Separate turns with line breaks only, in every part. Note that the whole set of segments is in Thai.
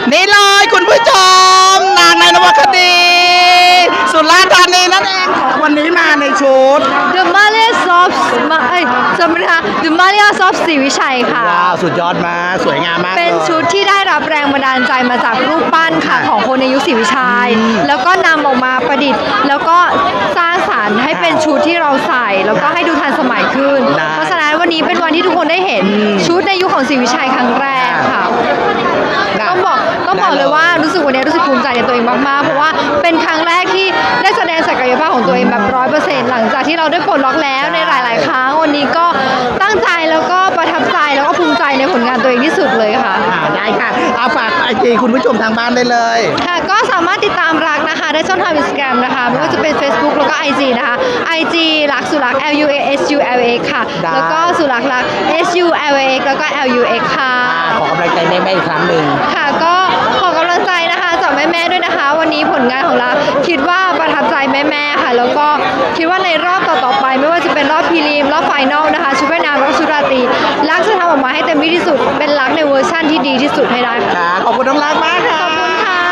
นี่เลยคุณผู้ชมนางในนวคดีสุราษฎร์ธานีนั่นเองวันนี้มาในชุด
The Malayas of จำไม่ได้ค่ะ The Malayas of ศรีวิชัยค่ะ
ว้าวสุดยอดมากสวยงามมาก
เป็นชุดที่ได้รับแรงบันดาลใจมาจากรูปปั้นค่ะของคนในยุคศรีวิชัยแล้วก็นำออกมาประดิษฐ์ แล้วก็สร้างสรรค์ให้เป็นชุดที่เราใส่ แล้วก็ให้ดูทันสมัยขึ้น เพราะฉะนั้นวันนี้เป็นวันที่ทุกคนได้เห็นชุดในยุคของศรีวิชัยครั้งแรกค่ะต้องบอกเลยว่ารู้สึกวันนี้รู้สึกภูมิใจในตัวเองมากๆเพราะว่าเป็นครั้งแรกที่ได้แสดงศักยภาพของตัวเองแบบ100%หลังจากที่เราได้ปลดล็อกแล้วในหลายๆครั้งวันนี้ก็ตั้งใจแล้วก็ประทับใจแล้วก็ภูมิใจในผลงานตัวเองที่สุดเลยค่ะ
ได้ค่ะเอาฝากไอจีคุณผู้ชมทางบ้านได้เลย
ค่ะก็สามารถติดตามรักนะคะได้ช่องทาง Instagram นะคะไม่ว่าจะเป็น Facebook แล้วก็ IG นะคะ IG รักสุรัก LUASULAX ค่ะแล้วก็สุรักรัก SULAX แล้วก็ LUX ค่ะ
ขอกำลังใจแม่ๆอีกครั้งหนึ่ง
ค่ะก็ขอกำลังใจนะคะจากแม่ๆด้วยนะคะวันนี้ผลงานของเราคิดว่าประทับใจแม่ๆค่ะแล้วก็คิดว่าในรอบต่อๆไปไม่ว่าจะเป็นรอบพรีลิมรอบไฟนอลนะคะชุดว่ายน้ำแล้วก็ชุดราตรีรักจะทำออกมาให้เต็มที่สุดเป็นรักในเวอร์ชั่นที่ดีที่สุดให้ได้ค่ะ
ขอบคุณน้องรักมากค่ะ
ขอบคุณค่ะ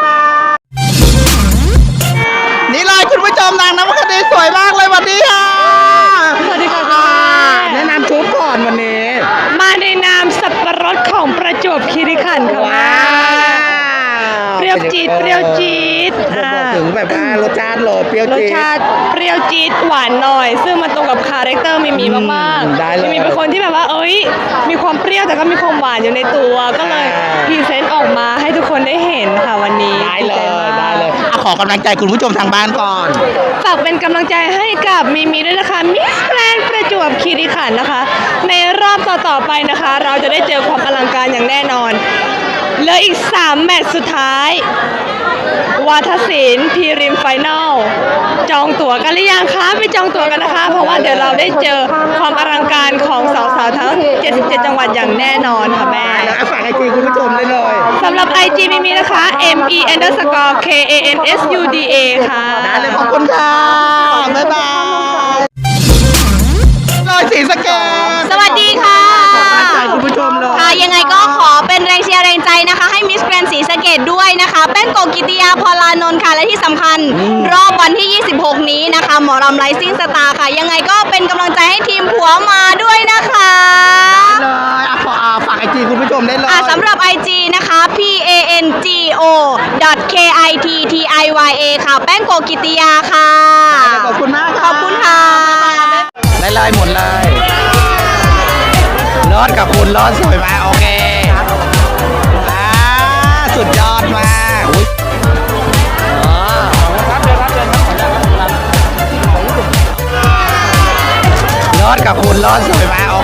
นี่เลยคุณผู้ชมนางนวคดีสวยมากเลยวันนี้ค่ะ
สวัสดีค่ะ
แนะนำชุดก่อนวันนี้
มาในนามสับปะรดของประจวบคีรีขันธ์ค่ะ
ว้าว
เปรี้ยวจี๊ดเปรี้ยวจี๊ด
บอกถึงแบบว่ารสชาติเลยเปรี้ยวจี๊ด
รสชาติเปรี้ยวจี๊ดหวานหน่อยซึ่งมันตรงกับคาแรคเตอร์มิมีมากๆมิมีเป็นคนที่แบบว่ามีความเปรี้ยวแต่ก็มีความหวานอยู่ในตัวก็เลยพรีเซนต์ออกมาให้ทุกคนได้เห็นค่ะวันนี้
ได้เลยขอกำลังใจคุณผู้ชมทางบ้านก่อน
ฝากเป็นกำลังใจให้กับมิด้วยนะคะมิสแกรนด์ประจวบคีรีขันธ์นะคะในรอบต่อๆไปนะคะเราจะได้เจอความอลังการอย่างแน่นอนเหลืออีก3แมตช์สุดท้ายวาทศิลป์พรีริมไฟนอลจองตั๋วกันหรือยังคะไปจองตั๋วกันนะคะเพราะว่าเดี๋ยวเราได้เจอความอลังการของสาวๆทั้ง77จังหวัดอย่างแน่นอนค่ะแม่
ฝากไอจีคุณผู้ชมได้เลย
สำหรับ IG มีนะคะ ME_KANSUDA ค่ะ
ได้เลยขอบคุณค่ะบ๊ายบายเลยศรีสะเกษ
สวัสดีค่ะ
คุณผู้ชมเลย
ค่ะยังไงก็ขอเป็นแรงเชียร์แรงใจนะคะให้มิสแกรนด์ศรีสะเกษด้วยนะคะแป้งโกกิติยาพลานนท์ค่ะและที่สำคัญรอบวันที่26นี้นะคะหมอรำไลซิ่งสตาร์ค่ะยังไงก็เป็นกำลังใจให้ทีมผัวมาด้วยนะคะ
เลยฝากไอจีคุณผู้ชมได้เลย
สำหรับ IG นะคะ PANGO.KITTIYA ค่ะแป้งโกกิติยาค่ะ
ขอบคุณมาก
ขอบคุณค่ะ
ได้เลยหมดเลยรอดกับคุณรอดสวยมากโอเคสุดยอดมากรอดกับคุณรอดสวยมากโอ